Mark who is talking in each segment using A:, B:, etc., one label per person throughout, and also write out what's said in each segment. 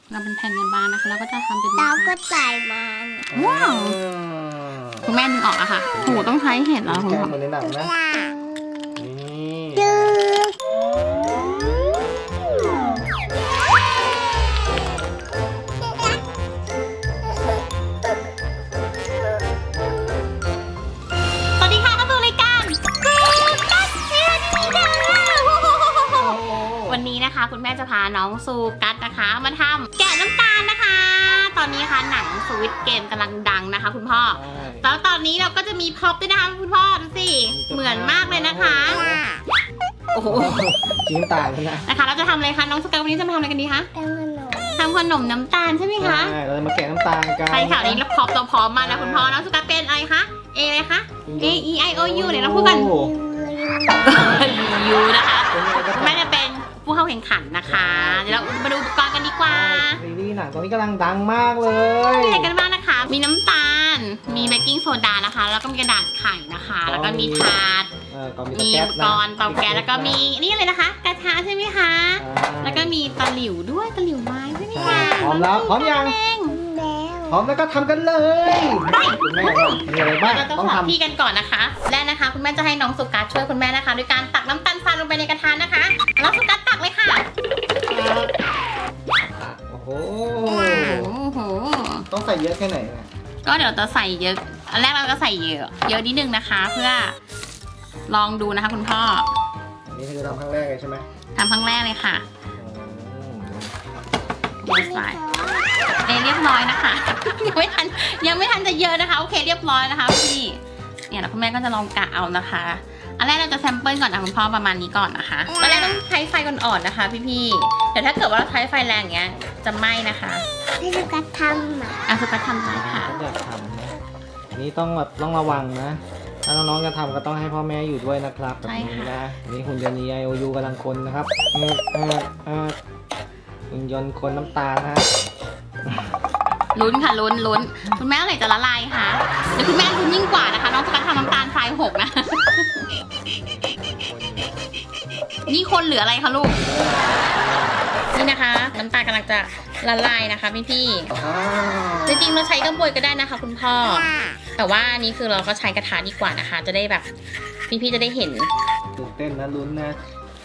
A: เราเป็นแผ่นบางๆนะคะแล้วก็จะทำเป็น
B: เราก็ใส่มัน
A: ว้าวคุณแม่ดึงออกอะค่ะโหต้องใช้เห็ดแล้วคุณ
C: แกะ
A: พ่อ
C: เหมือนในหนังนะ
B: ล่ะ
C: นี่
B: จืด
A: สวัสดีค่ะเข้าสู่รายการกัดเชียร์ดีค่ะวันนี้นะคะคุณแม่จะพาน้องซูกัสนะคะมาทำแกะน้ำตาลนะคะ ตอนนี้นะคะหนังสวิตเกมกำลังดังนะคะคุณพ่อแล้วตอนนี้เราก็จะมีพ็อปด้วยนะคะคุณพ่อดูสิเหมือนมากเลยนะคะโอ้โห
C: ชิ้นต่างกันนะ
A: นะคะเราจะทำอะไรคะน้องสกัสวันนี้จะมาทำอะไรกันดีคะ
B: เป็นขนม
A: ทำขนมน้ำตาลใช่ไหมคะ
C: ใช่เราจะมาแกะน้ำตาลกัน
A: ใช่ค่ะวันนี้เราพร้อมตัวพร้อมมาแล้วคุณพ่อน้องสกัสเป็นอะไรคะเออะไรคะ A E I O U เดี๋ยวเราพูดกัน ยูนะคะคุณแม่จะเป็นผู้เข้าแข่งขันนะคะ เดี๋ยวเรามาดูอุปกรณ์กันดีกว่า
C: ซีรีส์หนังตอนนี้กำลังดังมากเลย
A: มีอะไรกันบ้างนะคะ มีน้ำตาล มีเบกกิ้งโซดานะคะ แล้วก็มีกระดาษไข่นะคะ แล้วก็มีถาด
C: ก็มี
A: มี
C: แก๊
A: อุ
C: ส
A: ป
C: นะ
A: กรณ์เตาแก๊สแล้วก็มีนี่อะไรนะคะ กระทะใช่ไหมคะ แล้วก็มีตะหลิวด้วยตะหลิวไม้ใช่ไหมคะ
C: พร้อมแล้วพร้อมยัง
A: เอง
B: แล้ว
C: พร้อมแล้วก็ทำกันเลยคุณแม่มีอะไรบ้าง
A: เราจะ
C: ต้อง
A: ขอ
C: ทำ
A: พี่กันก่อนนะคะ และนะคะคุณแม่จะให้น้องสุกัสช่วยคุณแม่นะคะด้วยการตักน้ำตาลทรายลงไปในกระทะนะคะน้องสุกัสตักเลยค่ะ
C: โอ้โห
A: โอ้โห
C: ต้องใส่เยอะแค่ไหนเนี่ย
A: ก็เดี๋ยวจะใส่เยอะ อันแรกเราก็ใส่เยอะ เยอะนิดนึงนะคะ เพื่อลองดูนะคะคุณพ่อ
C: อันนี้คือทำครั้งแรกเลยใช่ไหม
A: ทำครั้งแรกเลยค่ะ
C: โอ้
A: ดูใส่เรียบร้อยนะคะ ยังไม่ทันจะเยอะนะคะ โอเคเรียบร้อยนะคะพี่เนี่ยแล้วคุณแม่ก็จะลองกะเอานะคะ อันแรกเราจะแซมเปิลก่อนนะคุณพ่อประมาณนี้ก่อนนะคะตอนแรกต้องใช้ไฟอ่อนๆนะคะ พี่ๆแต่ถ้าเกิดว่าเราใช้ไฟแรงอย่างเงี้ยจะไหม้นะคะ
B: ให้ลูกกระทำอ่ะ
A: อ่ะสุกัสทำได้ค่ะ
C: ต้องอยากทำนะอันนี้ต้องแบบต้องระวังนะ ถ้าน้องๆจะทำก็ต้องให้พ่อแม่อยู่ด้วยนะครับแบบนี้นะอันนี้หุ่นยนต์ EIOU กำลังคนนะครับหุ่นยนต์คนน้ำตาลนะ
A: ลุ้นค่ะลุ้นคุณแม่เมื่อไหร่จะละลายคะเดี๋ยวคุณแม่ลุ้นยิ่งกว่านะคะ น้องสุกัสทำน้ำตาลทรายหกนะ นี่คนเหลืออะไรคะลูก นี่นะคะ น้ำตาลกำลังจะละลายนะคะพี่ๆจริงๆเราใช้กระบวยก็ได้นะคะ คุณพ่อ แต่ว่าอันนี้คือเราก็ใช้กระทะดีกว่านะคะ จะได้แบบพี่ๆจะได้เห็น
C: ตื่นเต้นนะลุ้นนะ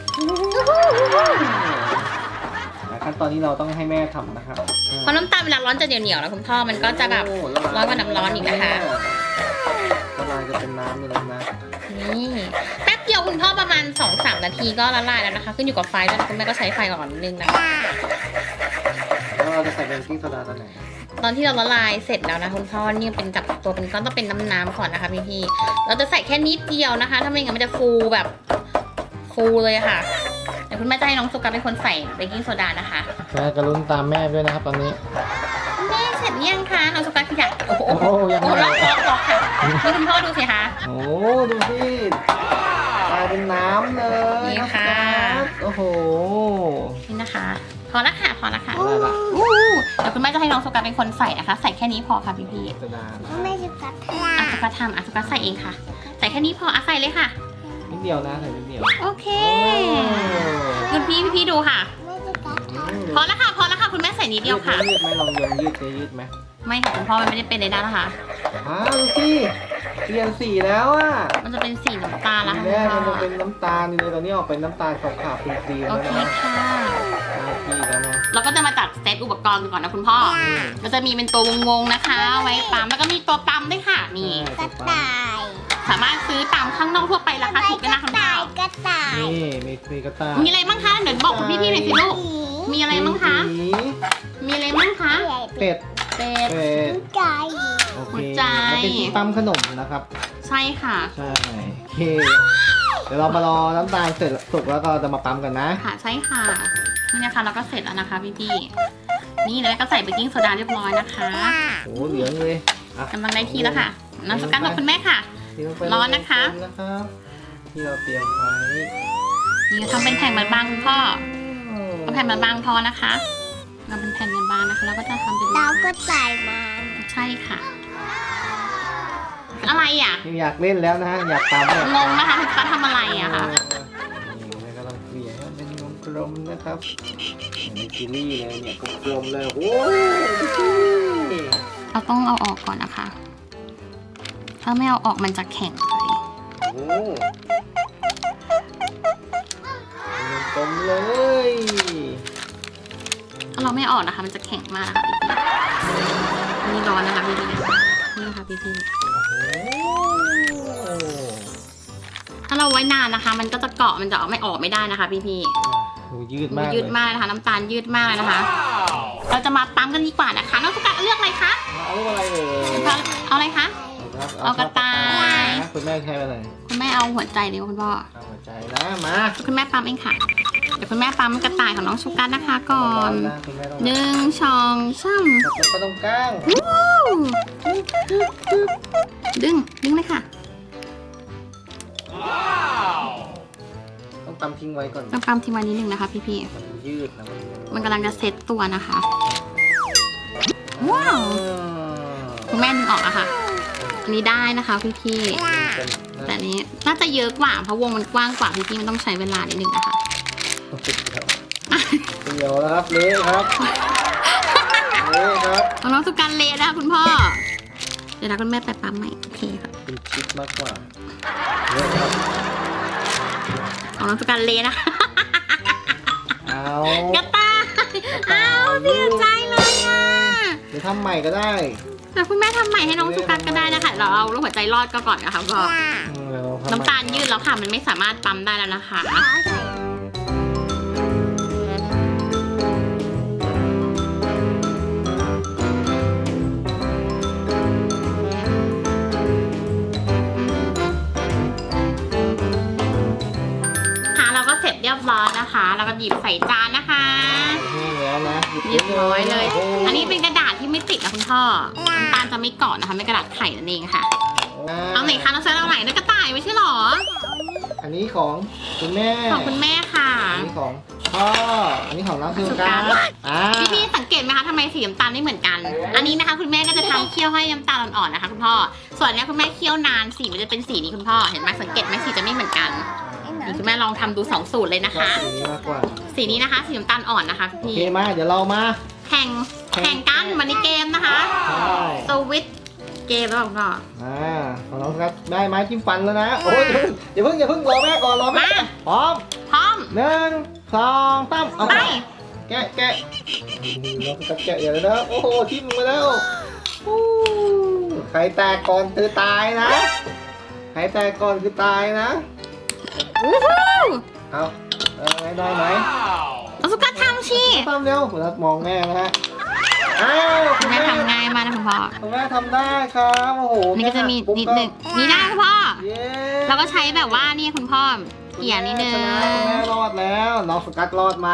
C: ขั้นตอนนี้เราต้องให้แม่ทำนะครับ
A: เพราะน้ำตาลเวลาร้อนจะเหนียวๆแล้วคุณพ่อมันก็จะแบบร้อนกว่าน้ำร้อนอีกนะคะ
C: ละลายจะเป็นน้ำเลยนะ
A: นี่แป๊บเดียวคุณพ่อประมาณ 2-3 นาทีก็ละลายแล้วนะคะ ขึ้นอยู่กับไฟด้วยนะคุณแม่ก็ใช้ไฟอ่อนนิดนึงนะคะ
C: แล้วเราจะใส่เบกกิ้งโซดาตอนไหน
A: ตอนที่เราละลายเสร็จแล้วนะคุณพ่อนี่เป็นจับตัวเป็นก้อนต้องเป็นน้ำๆก่อนนะคะพี่ๆเราจะใส่แค่นิดเดียวนะคะถ้าไม่งั้นมันจะฟูแบบฟูเลยอะค่ะเดี๋ยวคุณแม่จะให้น้องสุกัสเป็นคนใส่เบกกิ้งโซดานะคะ
C: แม่ก็ลุ้นตามแม่ด้วยนะครับตอนนี้
A: แม่เสร็จหรือยังคะน้องสุกัสขยับโอ้โห
C: โอ้โหยัง
A: โอ้
C: ไง
A: ล็อกค่ะนี่คุณพ่อดูสิคะ
C: โอ้ดูสิกลายเป็นน้ำเลย
A: นี่ค่ะ
C: โอ้โห
A: นี่นะคะพอละค่ะพอละค่ะ
C: อะไรล่ะ
A: เดี๋ยวคุณแม่จะให้น้องสุกัสเป็นคนใส่นะคะ ใส่แค่นี้พอค่ะพี่ๆ
C: โซดา
B: ไม่ลูกกระท
A: อ่ะสุกัสทำอ่ะสุกัสใส่เองค่ะ ใส่แค่นี้พออ่ะใส่เลยค่ะ
C: นิดเดียวนะใส่นิดเดียว
A: โอเคคุณพี่ดูค่ะ
B: ำไม่ลูกกระท
A: พอแล้วค่ะพอแล้วค่ะคุณแม่ใส่นิดเดียวค่ะ
C: ยืดไหมลองยืดจะยืดไหม
A: ไม่ค่ะคุณพ่อมันไม่ได้เป็นเลยนะคะ
C: ดูสิเปลี่ยนสีแล้วอ่ะ
A: มันจะเป็นสีน้ำตาลแล้ว
C: ที
A: ค่ะ
C: แร
A: คุ
C: ก
A: ณ
C: มัน
A: พ่อ
C: จะเป็นน้ำตาลอยู่เลยตอนนี้ออกเป็นน้ำตาลขาวๆครีมๆ
A: โอ
C: แล้ว
A: เค
C: นะ
A: ค่ะ
C: ได้ที่แล้วนะ
A: เราก็จะมาจัดเซตอุปกรณ์กันก่อนนะคุณพ่อก็จะมีเป็นตัววงๆนะคะ ไว้ปั๊มแล้วก็มีตัวปั๊มด้วยค่ะนี่
B: ำกระต่าย
A: สามารถซื้อตามข้างนอกทั่วไปราคาถูกด้วยนะคุณพ่อก
B: ระต่าย
C: นี่มีกระต่าย
A: มีอะไรบ้างคะเดี๋ยวบอกคุณพี่ๆหน่อยสิลูกมีอะไรบ้างคะ
C: หมี
A: มีอะไรบ้างคะ
C: เป็ด
A: เป็ด
C: เป็ด
B: ไก่
C: โอเค
A: หัวใจ
C: มันเป็นที่ปั๊มขนมนะครับ
A: ใช่ค่ะ
C: ใช่โอเคเดี๋ยวเรามารอน้ำตาลเสร็จสุกแล้วก็จะมาปั๊มกันนะ
A: ค่ะใช่ค่ะนี่นะคะเราก็เสร็จแล้วนะคะพี่ๆนี่แล้วก็ใส่เบกกิ้งโซดาเรียบร้อยนะคะ
C: โอ้เหลืองเลยอ่ะ
A: กำลังได้ที่แล้วค่ะน้ำสกัดของคุณแม่ค่ะ
C: เทลงไป
A: ร้อนนะคะ
C: นะครับที่เราเตรียมไว้
A: นี่ทำเป็นแผ่นบางๆคุณพ่อเอาแผ่นบางๆพอนะคะเราเป็นแผ่นบางๆนะคะแล้วก็จะทำเป็น
B: เราก็ใส่มัน
A: ใช่ค่ะ อะไรอ่ะ
C: อยากเล่นแล้วนะอยากตามเนี่ย
A: งงนะคะคุณป้าทำอะไรอะคะ
C: นี่แล้วก็ต้องเกลี่ยให้มันเป็นวงกลลมๆนะครับนี่จิลลี่เลยเนี่ยกลมๆเลยโอ้ย
A: เราต้องเอาออกก่อนนะคะ ถ้าไม่เอาออกมันจะแข็งเลย
C: โอ้กลมเลย
A: ถ้าเราไม่ออกนะคะ มันจะแข็งมากนะคะพี่ๆอันนี้ร้อนนะคะพี่ๆนี่นะคะพี่
C: โอ้
A: ๆถ้าเราไว้นานนะคะ มันก็จะเกาะมันจะไม่ออกไม่ได้นะคะพี่
C: ดูยืด
A: ๆ
C: มาก
A: ยืดมากนะคะ น้ำตาลยืดมากเลยนะคะ เราจะมาปั๊มกันดีกว่านะคะ น้องสุกัดเลือกอะไรคะ
C: เอาลูกอะไรเอ่ย
A: เอาอะไรคะ เอากระต่าย
C: นะคุณแม่ใช้อะไร
A: คุณแม่เอาหัวใจดีกว่าคุณพ่อ
C: เอาหัวใจนะมา
A: คุณแม่ปั๊มเองค่ะ เดี๋ยวคุณแม่ปั๊มกระต่ายของน้องชูการนะคะก่อน
C: นะคุณแม่ต้อง
A: 1 2 3
C: จับตรงกลาง
A: วู้ดึงเลยค่ะ
C: ต้องตำทิ้งไว้ก่อน
A: ต้องปั๊มทิ้งไว้นิดนึงนะคะพี่
C: มันยืดนะ
A: ๆมันกำลังจะเซตตัวนะคะ ว้าว คุณแม่ดึงออกอะค่ะ อันนี้ได้นะคะพี่ๆแต่อันนี้น่าจะเยอะกว่าเพราะวงมันกว้างกว่าพี่ๆมันต้องใช้เวลานิดนึงนะคะ
C: เดี๋ยวแล้วครับเละครับเละครับ
A: ของน้องสุการเละนะคะคุณพ่อ เดี๋ยวนะคุณแม่ไปปั๊มใหม่โอเคค่ะ
C: เป็นชิปมากกว่าเละครับ
A: ของน้องสุการเละนะคะ
C: เอา
A: กระต่ายเอาเสียใจเลยอ่ะ
C: เดี๋ยวทำใหม่ก็ได้
A: แต่คุณแม่ทำใหม่ให้น้องสุกัสก็ได้นะคะเราเอาลูกหัวใจรอดก็ก่อนนะคะพ่อ
C: เดี๋ยวทำใหม่
A: น้ำตาลยืดแล้วค่ะมันไม่สามารถปั๊มได้แล้วนะคะ ค่ะเราก็เสร็จเรียบร้อยนะคะแล้วก็หยิบใส่จานนะคะ
C: แห้งแล้วนะ
A: เรียบร้อยเลย
C: โโห
A: อันนี้เป็นกระดาษที่ไม่ติดนะคุณพ่อน้ำตาลจะไม่เกาะนะคะไม่กระดาษไข่นั่นเองค่ะเอาไหนคะน้องเซนเอาไหนนึกกระต่ายไม่ใช่หรอ
C: อันนี้ของคุณแม่
A: ของคุณแม่ค่ะ
C: อันนี้ของพ่ออันนี้ของน้องสุการ
A: พี่สังเกตไหมคะทำไมสีน้ำตาลไม่เหมือนกัน อันนี้นะคะ คุณแม่ก็จะทำเคี่ยวให้น้ำตาลอ่อนๆนะคะคุณพ่อส่วนเนี้ยคุณแม่เคี่ยวนานสีมันจะเป็นสีนี้คุณพ่อเห็นไหมสังเกตไหมสีจะไม่เหมือนกันนี่คุณแม่ลองทำดู2สูตรเลยนะ
C: ชอบ
A: คะ
C: สีนี้มากกว่า
A: สีนี้นะคะสีน้ำตาลอ่อนนะคะ
C: โอ
A: พี่
C: เคมาเดี๋ยวเรามา
A: แข่งกันวันนี้เกมนะคะ
C: ใช่
A: สวิตเกมแล้วก็
C: ของน้องสุการได้ไม้จิ้มฟันแล้วนะโอ้ยอย่าเพิ่งรอแม่ก่อนรอแม่พร้อม
A: พร้อม
C: 1 2 3เอา
A: ไป
C: แกะน้องสุการแกะอย่างนี้นะโอ้โหทิ่มมาแล้วใครแตกก่อนคือตายนะใครแตกก่อนคือตายนะ
A: วู้ฮู้
C: เอาได้ไหม
A: เอาสุกัสทำชี
C: ทำเร็วคุณนัทมองแม่นะฮะอ้าว
A: คุณแม่ทำง่ายมากนะคุณพ่อ
C: คุณแม่ทำได้ครับโอ้โห
A: นี่ก็จะมีนิดหนึ่งนี่ได้คุณพ่อ
C: เย้
A: เราก็ใช้แบบว่านี่คุณพ่อเกี่ยนิดนึง
C: คุณแม่รอดแล้วน้องสกัดรอดไหม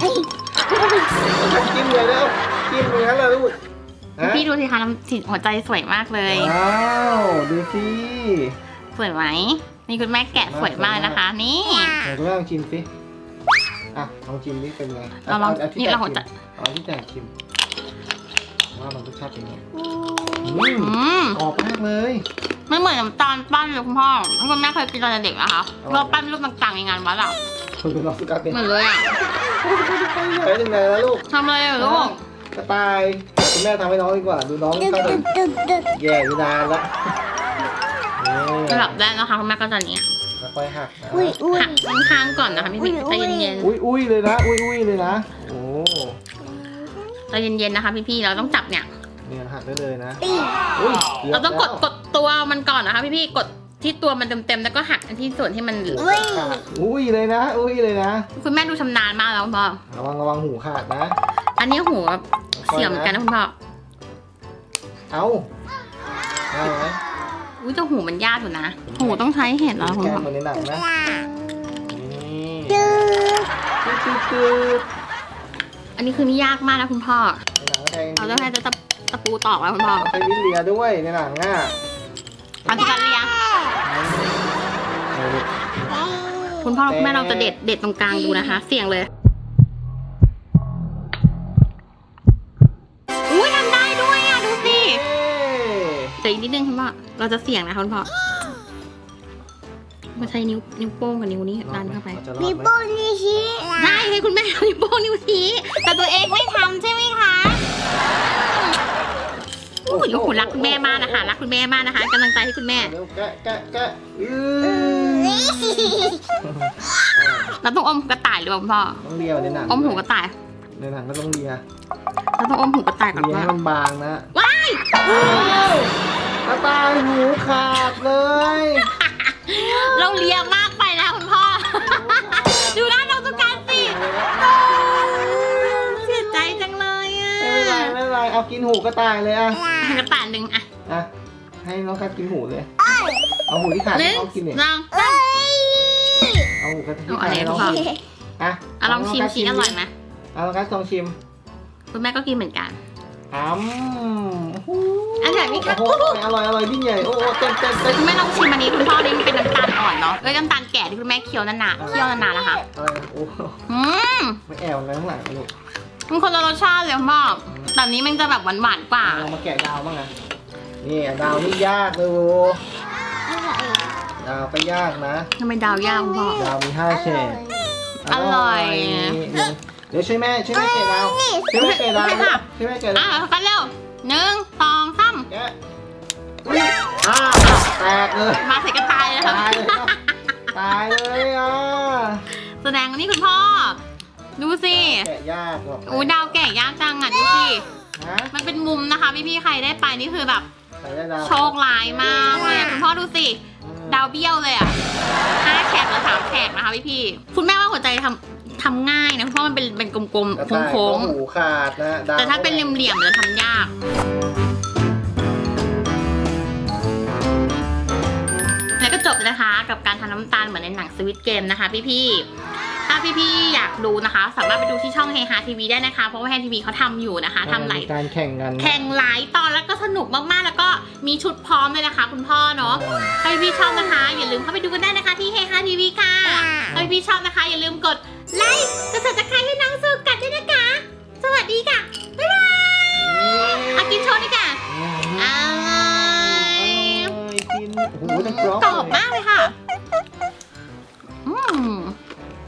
C: จิ้มเลยแล้วจิ้มเลยงั้นเลยลูกนะ
A: พี่ดูสิคะน้ำสีหัวใจสวยมากเลย
C: ว้าวดูสิ
A: สวยไหมนี่คุณแม่แกะสวยมากนะคะ นี่
C: เดี๋ยวคุณแม่ลองชิมสิอ่ะลองชิมนี่เป็นไง
A: เราลอง
C: ที่
A: นี่
C: แตก
A: เราหัวใจ
C: เอาที่แตกชิมว่ามันรสชาติเป็นไง
A: อืม
C: กรอบมากเลย
A: ไม่เหมือนน้ำตาลปั้นเลยคุณพ่อคุณแม่เคยกินตอนเด็กนะคะเราปั้นรูปต่างๆในงานวัดอะ
C: คุณน้องสกัดเป็น
A: เหมือนเลยอะ
C: ใช้ยังไงแล้วลูก
A: ทำอะไรอะลูก
C: กระต่ายคุณแม่ทำให้น้องดีกว่า ดูน้องเข้าไปแย่อยู่นานละ
A: ระดับแรกนะคะคุณแม่ก็จะเนี้ย
C: แล้วค่อยหักนะ
B: อุ้ย
A: หักข้างๆก่อนนะคะพี่พี่ใจเย็น
C: อุ้ยเลยนะ อุ้ยเลยนะ โอ้
A: ๆใจเย็นๆนะคะพี่พี่เราต้องจับเนี่ย
C: เนี่ยหักได้เลยนะ
B: ตี
C: อุ้ย
A: เราต้องกดตัวมันก่อนนะคะพี่พี่กดที่ตัวมันเต็มๆแล้วก็หักที่ส่วนที่มัน
C: อุ้ยเลยนะ อุ้ยเลยนะ
A: คุณแม่ดูชำนาญมากแล้วคุณพ่อ
C: ระวังหูขาดนะ
A: อันนี้หูแบบเสียเหมือนกันนะคุณพ่อ
C: เอาได้ไหม
A: อุ้ยแต่หูมันยากอยู่นะ หูต้องใช้เห็ดแล้วคุณ
C: แก
A: พ่อ
C: มันในหนังนะนี่
B: จืด
A: อันนี้คือนี่ยากมากนะคุณพ่อ
C: ในหนังก็แทง
A: เราต้องให้ตะปูตอกแล้วคุณพ่อ
C: ใช้ลิ้นเลียด้วยในหนังอ่ะ
A: ทำกันเรียงคุณพ่อคุณแม่เราจะเด็ดตรงกลางดูนะคะ เสี่ยงเลยอุ้ยทำได้ด้วยอ่ะดูสิเดี๋ยวอีกนิดนึงคุณพ่อเราจะเสี่ยงนะคะคุณพ่อมาใช้นิ้วโป้งกับนิ้วนี้ดันเข้าไป
C: จะรอ
B: มี
C: ดไหม
B: โป้งนี่ชี้
A: ได้ให้คุณแม่นิ้วโป้งนิ้วชี้แต่ตัวเองไม่ทำใช่ไหมคะโอ้ยลูกคุณรักคุณแม่มากนะคะรักคุณแม่มากนะคะกำลังใจให้คุณแม่
C: เร็วแกะ
A: เราต้องอมหูกระต่ายหรือเปล่าคุณพ่อ
C: ต้องเลียวในหนัง
A: อมหูกระต่าย
C: ในหนังก็ต้องเลีย
A: เราต้องอมหูกระต่ายก่อน
C: เลีย
A: ว่า
C: ให้มันบางนะ
A: ว้าย
C: กระต่ายหูขาดเลย
A: เราเลียมากไปแล้วคุณพ่อ ดูหน้าน้องตุ๊กตาสิเสียใจจังเลยอ่ะ
C: ไม่เป็นไรเอากินหูกระต่ายเลยอะ
A: กระต่ายหนึ่งอ่ะ
C: อ่ะให้น้องกัดกินหูเลยเอาหูที่ขาด
A: ห
C: ให้
A: นึ่ง
C: น้องกินเนี่ย
A: สอง
C: เอาหูกระที่
A: เอา
C: ขา
A: อะ
C: ด
A: ไร
C: ให้น้อง
A: พ่อ
C: กินอ่ะ
A: ลองชิมชีอร่อยไหม
C: เอาน้องกัดลองชิม
A: คุณแม่ก็กินเหมือนกัน
C: อันใหญ่ไหมคะโอ้โหอร่อยยิ่งใหญ่โอ้เต็ม
A: คุณแม่ลองชิมอันนี้คุณพ่อนี่มันเป็นน้ำตาลอ่อนเนาะน้ำตาลแก่ที่คุณแม่เคี้ยวนานๆเคี้ยวนานๆนะคะ
C: อะไรโอ้
A: อืม
C: ไม่แอวอะไรข้างหลังลูก
A: มันคนละรสชาติเลยคุณพ่อแบบนี้มันจะแบบหวานๆกว่า
C: เรามาแกะดาวบ้างนะนี่ดาวนี่ยากเลยโว้ดาวก็ยากนะ
A: ทำไมดาวยากคุณพ่อ
C: ดาวมี5 เฉด
A: อร่อย
C: เดี๋ยวช่วยแม่แกะดาวช่วยแม่แกะดาว
A: โอเคค่ะ
C: ช่วยแม่แกะ
A: อ่ะ
C: ดาว
A: กันเร็ว1 2 3
C: แกะอุ๊ยแตกเลย
A: มาใส่กระต่ายเลยครับ
C: ตายเลยครับตายเลยอ่ะ
A: แสดงว่านี่คุณพ่อ ดูสิ
C: แกะยากหรอก
A: อู้ดาวแก่ยากจังอ่ะดูสิ
C: ฮะ
A: มันเป็นมุมนะคะพี่ๆใครได้ไปนี่คือแบบ
C: ใส่ได้ดาว
A: โชคร้ายมากเลยอะคุณพ่อดูสิ ดาวเบี้ยวเลยอ่ะ5 แฉกหรือ3 แฉกนะคะพี่ๆคุณแม่ว่าหัวใจทำง่ายนะเพราะมันเป็นกลม
C: กระ
A: ๆ
C: ต่าย
A: โค้ง
C: ก็หูขาดนะดาว
A: ๆแต่ถ้าเป็นเหลี่ยมๆจะทำยาก แล้วก็จบเลยนะคะ กับการทำน้ำตาลเหมือนในหนังสวิตเกมนะคะพี่ๆถ้าพี่ๆอยากดูนะคะ สามารถไปดูที่ช่องเฮฮาทีวีได้นะคะ เพราะว่าเฮฮาทีวีเขาทำอยู่นะคะทำหลาย
C: การแข่งกัน
A: แข่งหลายตอนแล้วก็สนุกมากๆ แล้วก็มีชุดพร้อมเลยนะคะ คุณพ่อเนาะใครพี่ชอบนะคะ อย่าลืมเข้าไปดูกันได้นะคะที่เฮฮาทีวีค่ะใครพี่ชอบนะคะ อย่าลืมกดไลค์กด subscribe ให้น้องสูกัดด้วยนะคะ สวัสดีค่ะ บ๊ายบายอากินโชว์ดีกว่าอร่อย
C: กินโอ้โหจะกรอบ
A: กรอบมากเลยค่ะ